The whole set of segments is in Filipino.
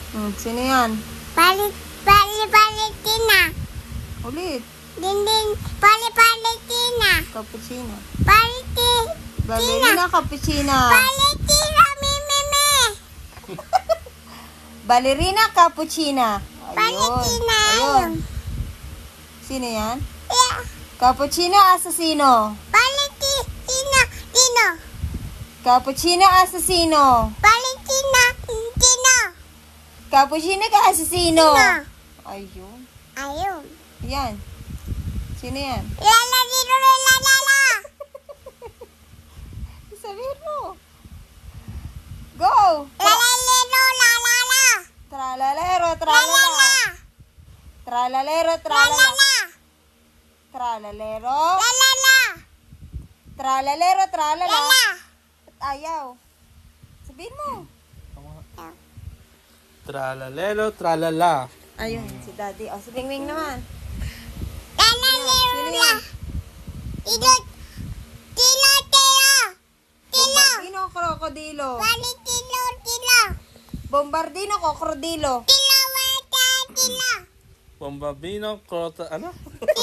Sino yan? Palitina. Ulit. Din. Palitina. Cappuccino. Palitina. Ballerina cappuccino. Palitina, mimimi. Ballerina cappuccino. Ayun. Palitina. Ayun. Sino yan? Yeah. Cappuccino assassino. Palitina. Tino. Cappuccino assassino. Palitina. Tino. Cappuccino ka assassino. Tino. Ayun. Ayun. Yan. Sino yan? Lala, dito, lala. Sabihin mo. Go! Lala, lala. Tralalero, tralala. Tralalero, tralala. Lala. Tralalero. Lala. Tralalero, tralala. Lala. Ayaw. Sabihin mo. Tralalero, tralala. Ayun, si Daddy. O, si Bingwing naman. Lala, Sino lala. yan? Tino. Bombardino, krokodilo. Tino. Bombardino, krokodilo. Tino. Bombabino, krota, ano?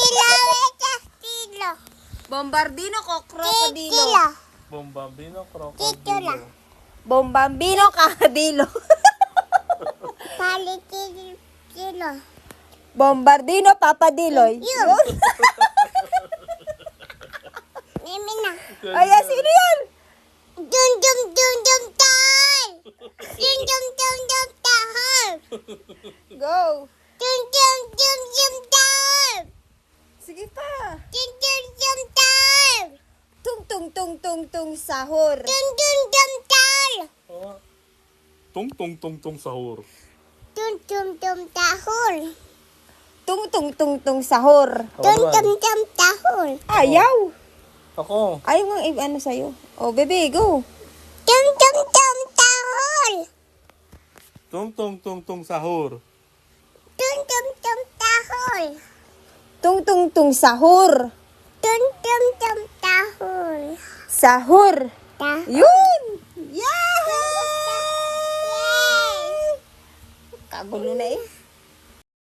Tino. Bombardino, krokodilo. Tino. Bombabino, Tito krokodilo. lang. Bombambino, kakadilo. Tino. Bombardino, papadiloy. Yun. Mimi na. Ay, sino yan? Dum tal. Tahal. Go. Dum tal. Sige pa. Dum tal. Tung, sahur. Dum tal. Tung sahur. Dum tahul. Tung, sahur. Dum tahul. Ayaw. Ako. Ayaw nga ano sa'yo. Oh, bebe, go. Dum tahul. Tung sahur. Dum tahul. Tung, sahur. Dum tahul. Sahur. Tahul. Yun! Yay! Kagulo na eh.